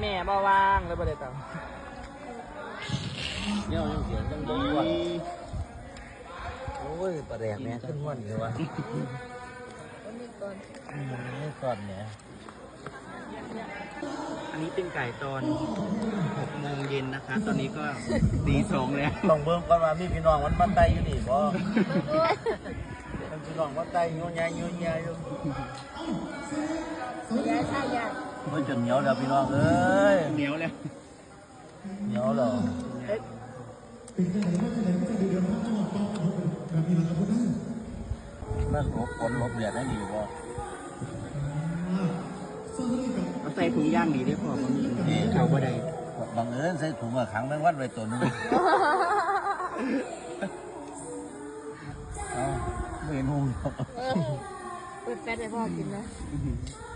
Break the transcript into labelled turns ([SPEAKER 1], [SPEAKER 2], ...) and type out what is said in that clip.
[SPEAKER 1] แม่บ่ว่างเลยบ่ได้ตังเนี่ยยังเสียงจังบ่ว่างโอ้ยประแดกแม่ขึ้นวันเลยวะนี่ก่อนเนี่ยอันนี้เป็นไก่ตอน6 โมงเย็นนะคะตอนนี้ก็ตี2แล้วต้องเบิ่งก่อนว่ามีพี่น้องมันมาไต่อยู่นี่บ่มันพี่น้องมาไต่อยู่ใหญ่อยู่อยู่ยายใช่ยายมันจนเหนียวแล้วพี่น้องเอ้ยเหนียวแล้วนั่นหลบฝนหลบแดดได้ดีบ่เอาใส่ถุงย่างดีได้พอมันนี่เขาบ่ได้บังเอิญใส่ถุงขังแมงวันไว้ตัวนึงไม่เห็นหุ่น
[SPEAKER 2] เปิดแฟลชให้พ่อกินนะ